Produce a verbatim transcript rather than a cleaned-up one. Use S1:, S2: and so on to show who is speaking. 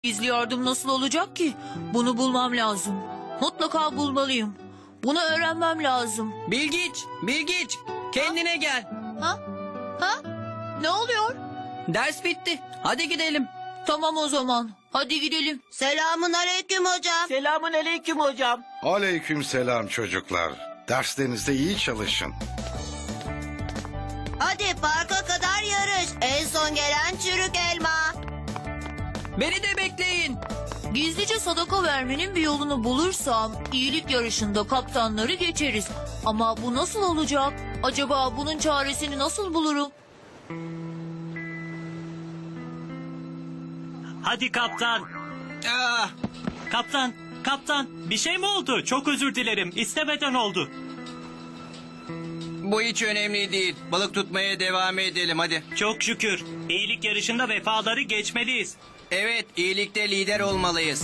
S1: Gizli yardım nasıl olacak ki? Bunu bulmam lazım. Mutlaka bulmalıyım. Bunu öğrenmem lazım.
S2: Bilgiç, Bilgiç, kendine gel.
S1: Ha? Ha? Ne oluyor?
S2: Ders bitti. Hadi gidelim.
S1: Tamam o zaman. Hadi gidelim.
S3: Selamun aleyküm hocam.
S4: Selamun aleyküm hocam.
S5: Aleykümselam çocuklar. Derslerinizde iyi çalışın.
S3: Hadi parka kadar yarış. En son gelen çürük elma.
S2: Beni de bekleyin.
S1: Gizlice sadaka vermenin bir yolunu bulursam iyilik yarışında kaptanları geçeriz. Ama bu nasıl olacak? Acaba bunun çaresini nasıl bulurum?
S6: Hadi kaptan.
S2: Ah,
S6: Kaptan, kaptan. Bir şey mi oldu? Çok özür dilerim. İstemeden oldu.
S2: bu hiç önemli değil. Balık tutmaya devam edelim hadi.
S6: Çok şükür. İyilik yarışında vefaları geçmeliyiz.
S2: Evet, iyilikte lider olmalıyız.